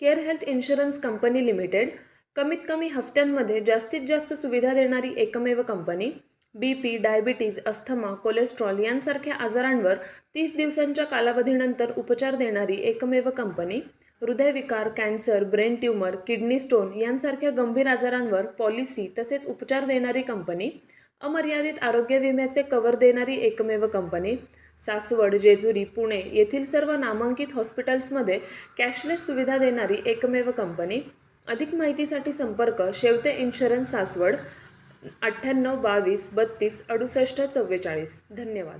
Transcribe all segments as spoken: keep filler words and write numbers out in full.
Care health insurance company limited कमीत कमी हफ्त्यांमध्ये जास्तीत जास्त सुविधा देणारी एकमेव company. B P, diabetes, asthma, cholesterol यांसारख्या आजारांवर तीस दिवसांच्या कालावधीनंतर उपचार देणारी एकमेव कंपनी. हृदयविकार, cancer, brain tumour, kidney stone यांसारख्या गंभीर आजारांवर पॉलिसी तसेच उपचार देणारी कंपनी. अमर्यादित आरोग्य विम्याचे कव्हर देणारी एकमेव कंपनी. सासवड, जेजुरी, पुणे येथील सर्व नामांकित हॉस्पिटल्समध्ये कॅशलेस सुविधा देणारी एकमेव कंपनी. अधिक माहितीसाठी संपर्क शेवते इन्शुरन्स सासवड अठ्ठ्याण्णव बावीस बत्तीस अडुसष्ट चव्वेचाळीस. धन्यवाद.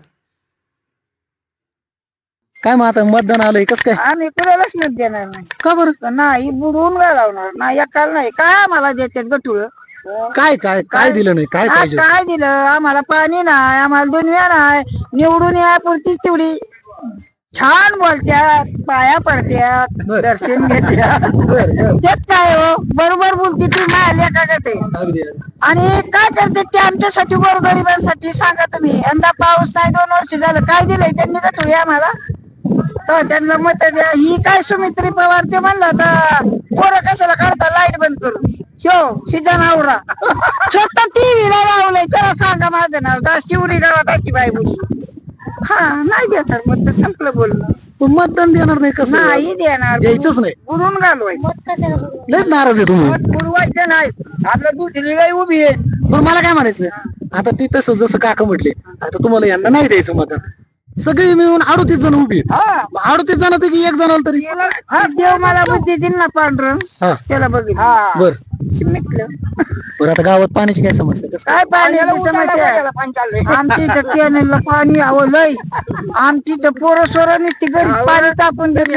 काय मग आता मतदान आलंय कस काय? आम्ही कुणालाच मत देणार नाही. का बरं? नाही बुडवून घालवणार नाही. एकाला नाही. काय आम्हाला देतात गठुळ? काय काय काय दिलं नाही? काय पाहिजे? काय दिलं आम्हाला? पाणी नाही, आम्हाला दुनिया नाही. निवडून यापुरतीच तेवढी छान बोलत्यात, पाया पडत्यात, दर्शन घेत्यात. तेच काय हो, बरोबर बोलते ती मायल्या का ते. आणि काय करते ते आमच्यासाठी, गोरगरिबांसाठी? सांगा तुम्ही. यंदा पाऊस नाही, दोन वर्ष झालं. काय दिलंय त्यांनी गठुळी आम्हाला? तर त्यांना मत द्या. ही काय सुमित्री पवार ते म्हणलं होता, पोरं कशाला काढता लाईट बंद करून? हो शिजा नावरा स्वतः टीव्हीला लावलंय. त्याला सांगा माझं नाव दास शिवरी गावात अशी बाई बोली. हा नाही देणार मत, तर संपलं बोलणं. पण मतदान देणार नाही कसं? नाही देणार, द्यायचंच नाही. बुडून घालवाय. लयच नाराज आहे तुम्ही. बुडवायचं नाही. आपलं दुसरी गाय उभी आहे. पण मला काय म्हणायचं, आता ती तसं जसं काका म्हटले, आता तुम्हाला यांना नाही द्यायचं मतदान. सगळी मिळून अडोतीस जण उभी आहेत. अडोतीस जणांपैकी एक जण तरी हा देव मला बुद्धी दिल ना पांढरं, हा त्याला बघितलं. बर मिटलं. बरं. आता गावात पाण्याची काय समस्या? कसं काय पाण्याची समस्या आहे? आमची तर कॅनेलला पाणी हवं लय. आमची तर पोरं सोरं नुसती घरी पाणी तापून देत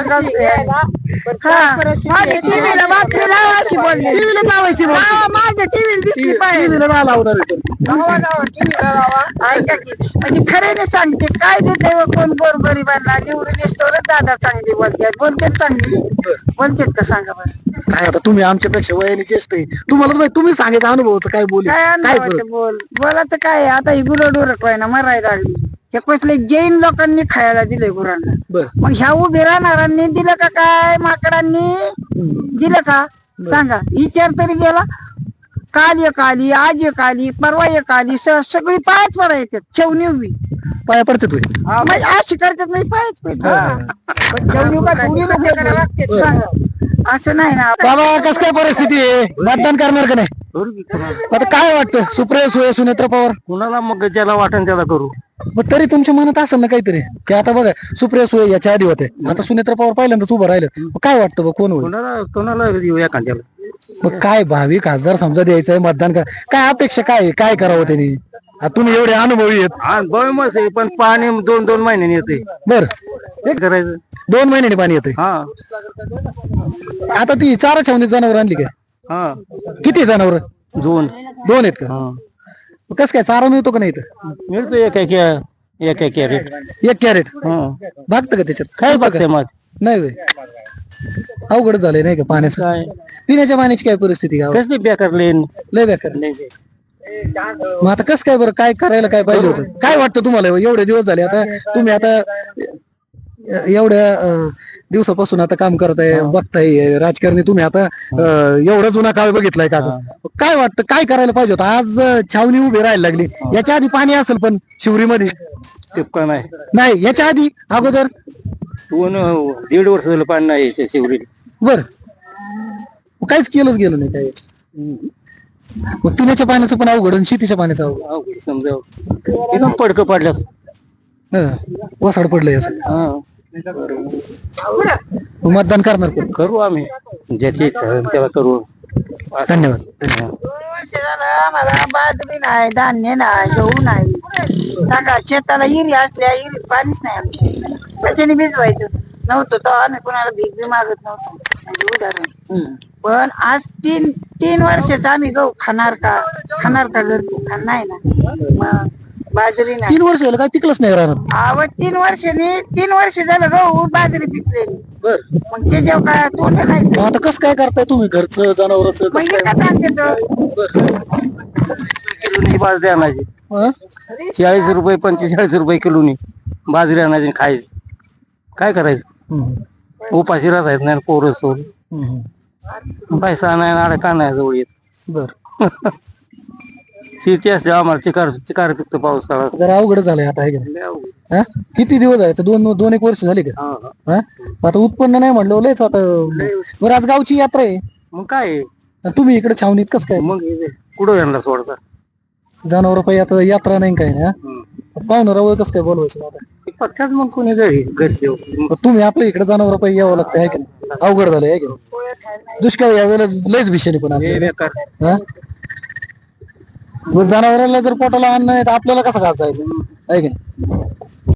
टीव्हीला बातमी लावायची बोलली. टीव्हीला लावायची बोल. हा, माझ्या टीव्हीला दिसली पाहिजे. टीव्हीला नाही लावणार आहे. ऐका की, म्हणजे खऱ्याने सांगते काय देते व कोण गोरगरिबांना निवडून येतोच. दादा चांगली बोलतात. बोलतेच चांगली बोलतेत का सांगा बरं? काय आता तुम्ही आमच्यापेक्षा वयाने ज्येष्ठ आहे, तुम्हालाच माहिती. तुम्ही सांगायचं अनुभवाचं काय बोल काय काय अनुभवाचं बोल बोलायचं काय? आता ही गुरं डोरक ना मरायला लागली. हे कसले जैन लोकांनी खायला दिले गुरांना. बर. मग ह्या उभे राहणाऱ्यांनी दिलं का काय? माकडांनी दिलं का? सांगा. विचार तरी गेला. काल एक आली, आज एक आली, परवा एक आली. सगळी पायच पडा येतात. चवणी उभी पाया पडते तुम्ही. म्हणजे अशी करतात म्हणजे पायच पडतात. सांगा असं नाही ना. बाबा कस काय परिस्थिती आहे? मतदान करणार का नाही? आता काय वाटतं, सुप्रिया सुळे, सुनेत्र पवार? कुणाला मग ज्याला वाटण त्याला करू. मग तरी तुमच्या मनात असेल ना काहीतरी, की आता बघा सुप्रिया सुळे याच्या आधी होते, आता सुनेत्र पवार पहिल्यांदाच उभं राहिलं. काय वाटतं बघ, कोण होईल? कुणाला कुणाला देऊ एखाद्याला. मग काय भावी खासदार समजा द्यायचंय मतदान का? काय अपेक्षा काय आहे? काय करावं त्यांनी? आता तुम्ही एवढे अनुभवी आहेत. बळमस आहे, पण पाणी दोन दोन महिन्यांनी येते. बर. हे करायचं. दोन महिन्यांनी पाणी येते. हा आता ती चारा छावणी जनावर आणली काय? हा किती जनावर? दोन दोन आहेत का? कस काय चारा मिळतो का नाही इथं? मिळतो एक एक एक एक कॅरेट. एक कॅरेट हा भागतं का त्याच्यात? काय बघते मग? नाही होय. अवघड झालंय नाही का पाण्याचं? काय पिण्याच्या पाण्याची काय परिस्थिती गावात? कसली बेकार लेन. लय बेकार. मग आता कसं काय बरं, काय करायला काय पाहिजे होतं? काय वाटतं तुम्हाला? एवढे दिवस झाले आता तुम्ही आता एवढ्या अं, दिवसापासून आता काम करताय, बघताय राजकारणी तुम्ही आता अं, एवढा जुना काळ बघितलाय का? काय वाटतं काय करायला पाहिजे होतं? आज अं, छावणी उभी राहायला लागली. याच्या आधी पाणी असेल पण शिवरीमध्ये टिपका नाही. नाही. याच्या आधी अगोदर दोन दीड वर्ष झालं पाणी नाही शिवरी. बर. काहीच केलंच गेलं नाही काय. मग पिण्याच्या पाण्याचं पण अवघड आणि शेतीच्या पाण्याचं अवघड. अवघड समजाव. एकदम पडकं पडलं. हं. वसाड पडलंय असं. हा मग मतदान करणार कोण? करू आम्ही ज्याची इच्छा होईल त्याला करू. धन्यवाद. दोन वर्ष झालं आम्हाला बाजरी नाही, धान्य नाही, गहू नाही. सांगा शेताला हिरी असल्या हिरीत पाणीच नाही आमच्या. त्याच्याने भिजवायचं नव्हतं तर आम्ही कोणाला भीक बी मागत नव्हतो. म्हणजे उदाहरण. पण आज तीन तीन वर्षाचं आम्ही गहू खाणार का? खाणार का घरचे? खाणार नाही ना. मग बाजरी नाही. तीन वर्ष झालं काय पिकलंच नाही राहणार? आवड तीन वर्षांनी तीन वर्ष झालं गहू बाजरी पिकलेली. बर. मग ते जेव्हा काय तोंड नाही. मग आता कसं काय करताय तुम्ही घरचं जनावरचं मग कसं काय? विकत आणते किलोनी बाजरी आणायची. हं? चाळीस रुपये पंचेचाळीस रुपये किलोनी बाजरी आणायची आणि खायची. काय करायचं? हं. उपाशी राहत नाही पोरं सोड हम्म. पैसा नाही ना का नाही जवळ येत बर शेती असते आम्हाला चिकार चिकार पिकतो पाऊस काळात जरा अवघड झालंय आता आहे का नाही? हा? किती दिवस आहे आता? दोन दोन एक वर्ष झाली का हा? आता उत्पन्न नाही म्हणलं लयच आता बरं आज गावची यात्रा आहे मग काय तुम्ही इकडे छावणीत कस काय मग कुठं यांना सोडता जनावर पाहिजे आता यात्रा नाही काय ना पाहुणं रावळ कसं काय बोलवायचं आता पत्ताच मग कोणी घरी घरचे मग तुम्ही आपल्या इकडे जनावर पाहिजे यावं लागतं आहे का नाही? अवघड झालंय आहे का नाही? दुष्काळ यावेळेला लयच विषय पण आपल्याला. हा? जनावरांना जर पोटाला अन्न नाही तर आपल्याला कसं घासायचं आहे की नाही?